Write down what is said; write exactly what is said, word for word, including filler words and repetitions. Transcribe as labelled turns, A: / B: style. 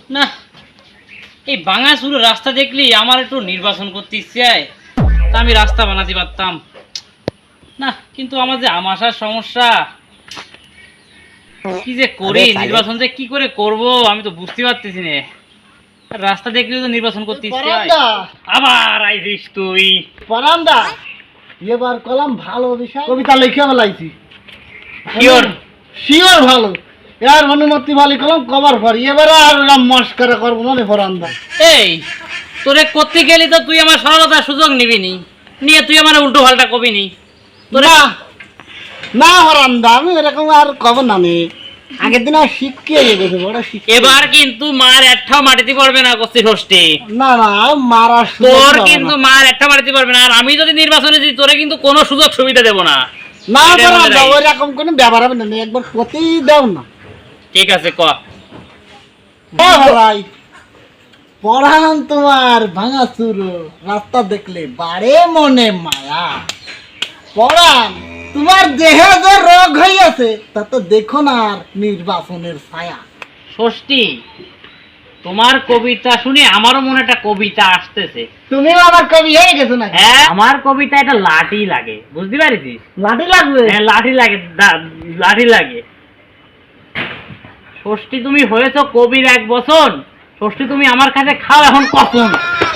A: না, এই ভাঙাচুরো রাস্তা দেখলি আমার একটু নির্বাচন করতে ইচ্ছে হয়, তা আমি রাস্তা বানাতে পারতাম না, কিন্তু আমার যে আমাশার সমস্যা, কি যে করি, নির্বাচন যে কি করে করব আমি তো বুঝতে পারতেছি না। রাস্তা দেখলেও তো নির্বাচন করতে ইচ্ছে হয়। আবার আইছিস তুই
B: পরান্দা, এবার কলাম ভালো বিষয় কবিতা লিখে বেলাইছি।
A: শিওর?
B: শিওর ভালো, এর অনুমতি ভালো কলাম কভার করি, এবারে আর ওরকম মস্করা করবো না রে পরান্দা।
A: এই তোরে করতে গেলি তো তুই আমার সরলতার সুযোগ নিবি নি, নিয়ে তুই আমার উল্টো পাল্টা কবি নি তোরে।
B: না না পরান্দা, আমি এরকম আর কব না নে, আগের দিন আর শিখিয়ে গেছে বড় শিখিয়ে।
A: এবার কিন্তু মার একটাও মাটিতে পড়বে না কস্তি ষষ্ঠী।
B: না না মারা
A: তোর কিন্তু মার একটা মাটিতে পারবে না, আর আমি যদি নির্বাচনে দিই তোরে কিন্তু কোনো সুযোগ সুবিধা দেবো না।
B: না পরান্দা, ওইরকম কোনো ব্যাপার হবে না, একবার প্রতি দাও না।
A: ঠিক আছে ক।
B: ভাই পড়ান তোমার ভাঙা চুরো রাস্তা দেখলে বারে মনে মায়া, পড়ান তোমার দেহে যে রোগ হইয়াছে তা তো দেখো না আর নির্বাচনের ছায়া।
A: ষষ্ঠী, তোমার কবিতা শুনে আমারও মনে একটা কবিতা আসতেছে।
B: তুমিও আবার কবি হয়ে গেছো না?
A: হ্যাঁ, আমার কবিতা এটা লাঠি লাগে, বুঝতে পারিস?
B: লাঠি লাগবে?
A: হ্যাঁ লাঠি লাগে, দা- লাঠি লাগে। ষষ্ঠী, তুমি হয়েছো কবির এক বছর, ষষ্ঠী তুমি আমার কাছে খাও এখন কখন।